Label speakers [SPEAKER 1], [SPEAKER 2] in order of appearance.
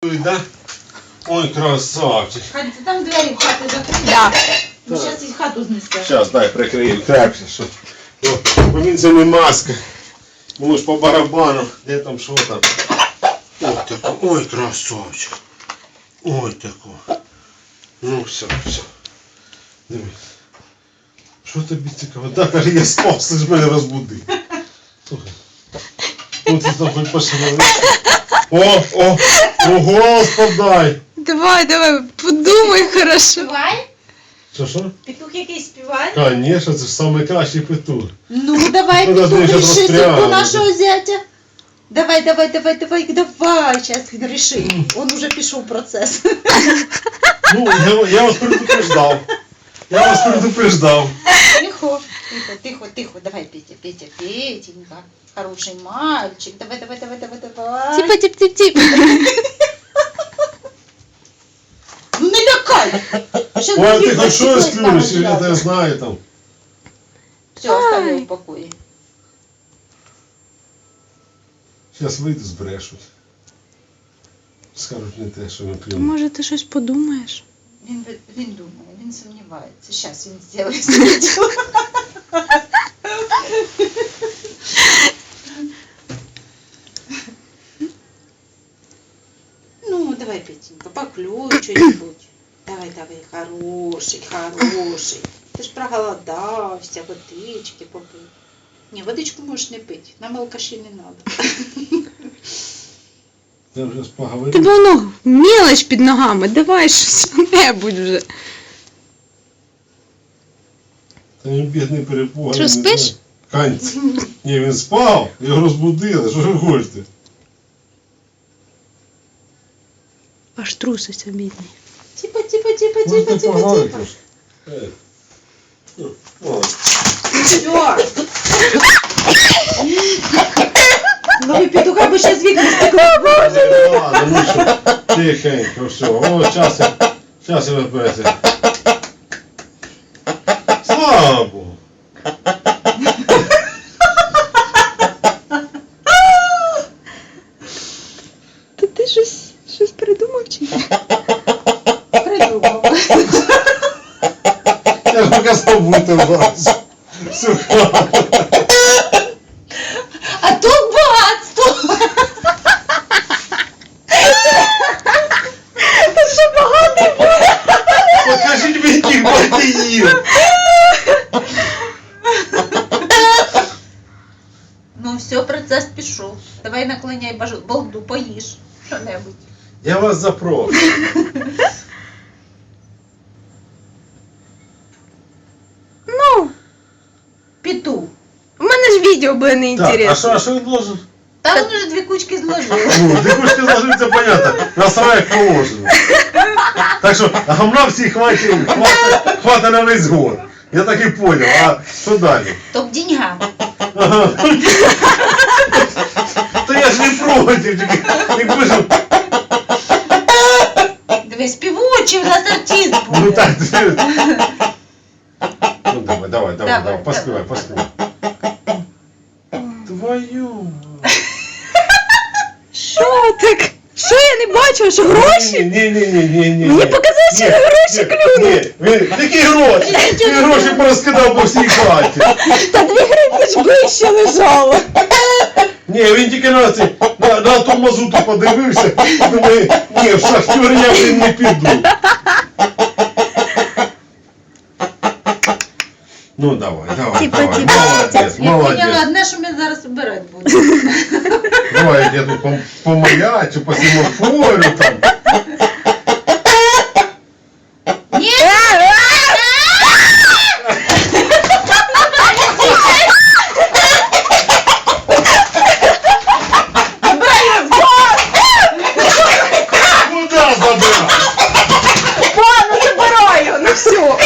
[SPEAKER 1] Да? Ой, красавчик.
[SPEAKER 2] Там двері в хати закриті.
[SPEAKER 3] Да.
[SPEAKER 2] Ну, зараз і хату знесе.
[SPEAKER 1] Зараз, дай прикрию крепше, що. Бо він це не маска. Воно ж по барабану. Де там, що там? Ой, тако. Ой, красавчик. Ой, тако. Ну, все. Дивись. Що тобі цікаво? Да, каже, я спав, ти ж мене розбудив. Слухай. От ти там хоч пошли. Голос подай.
[SPEAKER 3] Давай, подумай хорошо.
[SPEAKER 2] Співай?
[SPEAKER 1] Що?
[SPEAKER 2] Петух якийсь співає?
[SPEAKER 1] Конечно, це ж найкращий петух.
[SPEAKER 2] Ну, давай,
[SPEAKER 1] Ну,
[SPEAKER 2] Петух,
[SPEAKER 1] даже
[SPEAKER 2] реши
[SPEAKER 1] застрял.
[SPEAKER 2] судьбу нашего зятя. Давай, сейчас реши. Он уже пішов процесс.
[SPEAKER 1] Ну, я вас предупреждав.
[SPEAKER 2] Тихо. Давай, Петенька. Хороший мальчик. Давай.
[SPEAKER 3] Типа.
[SPEAKER 2] Ну не лякай. Щас
[SPEAKER 1] Ой,
[SPEAKER 2] других
[SPEAKER 1] ти хоч щось
[SPEAKER 2] зачепить
[SPEAKER 1] клюнеш,
[SPEAKER 2] там
[SPEAKER 1] я тебе
[SPEAKER 2] одразу.
[SPEAKER 1] знаю там.
[SPEAKER 2] Все, оставлю в покое.
[SPEAKER 1] Зараз вийду, збрешуть. Скажуть не те, що він клюнув.
[SPEAKER 3] Може ти щось подумаєш?
[SPEAKER 2] Він думає, він сумнівається. Зараз він зробить своє діло. Ну, давай, Петенька, поклюй что-нибудь. Давай, хороший. Ти ж проголодався, водички попий. Ні, водичку можеш не пити, нам алкаші не треба.
[SPEAKER 1] Я вже поговорив.
[SPEAKER 3] Тебе воно мелоч під ногами, давай щось-небудь вже.
[SPEAKER 1] Та він бідний перепуганий.
[SPEAKER 3] Що, спиш?
[SPEAKER 1] Канць. Ні, він спав, його розбудили, що ж ви хочете?
[SPEAKER 3] Аж труситься, бідний.
[SPEAKER 2] Типа. Все. Ну ви петуха би ще з вікна стекли.
[SPEAKER 1] Ладно, ну що, тихенько, все. О, час я випити. Слава Богу.
[SPEAKER 3] Та ти щось придумав чи ні?
[SPEAKER 2] Придумав.
[SPEAKER 1] Я ж показав бути вас. Сука.
[SPEAKER 2] А тут багатство. Це ще багатий буде.
[SPEAKER 1] Покажіть мені тих бандиїв.
[SPEAKER 2] Ну все, процес пішов. Давай наклоняй балду, поїж що-небудь.
[SPEAKER 1] Я вас запрошую.
[SPEAKER 3] Ну,
[SPEAKER 2] Петух.
[SPEAKER 3] у мене ж відео буде
[SPEAKER 1] Так,
[SPEAKER 3] неінтересно.
[SPEAKER 1] а що він должен?
[SPEAKER 2] Та він уже 2 кучки зложив.
[SPEAKER 1] Ну, дикушки зложиться, понятно. Настраяк положено. Так що, гамна всі хватить на весь год. Я так і понял. А що далі?
[SPEAKER 2] Топ деньга.
[SPEAKER 1] Ага. То я ж не проти, якби ж...
[SPEAKER 2] Дивись, співучий, у нас артист буде.
[SPEAKER 1] Ну так, ну давай,
[SPEAKER 2] Давай.
[SPEAKER 1] поспівай. Твою.
[SPEAKER 3] Що так? Що я не бачила, що гроші?
[SPEAKER 1] Ні.
[SPEAKER 3] Мені показалось, що гроші клюнуть.
[SPEAKER 1] Ні, які гроші? Він гроші порозкидав по всій хаті.
[SPEAKER 3] Та 2 гривні ж ближче лежало.
[SPEAKER 1] Ні, він тільки на ту мазуту подивився, думає, ні, в шахтер я вже не піду. Ну давай,
[SPEAKER 3] Типа.
[SPEAKER 2] Я
[SPEAKER 1] молодець.
[SPEAKER 2] поняла одне, що ми зараз обирати будемо.
[SPEAKER 1] Давай я тут помаячу, по семафору там.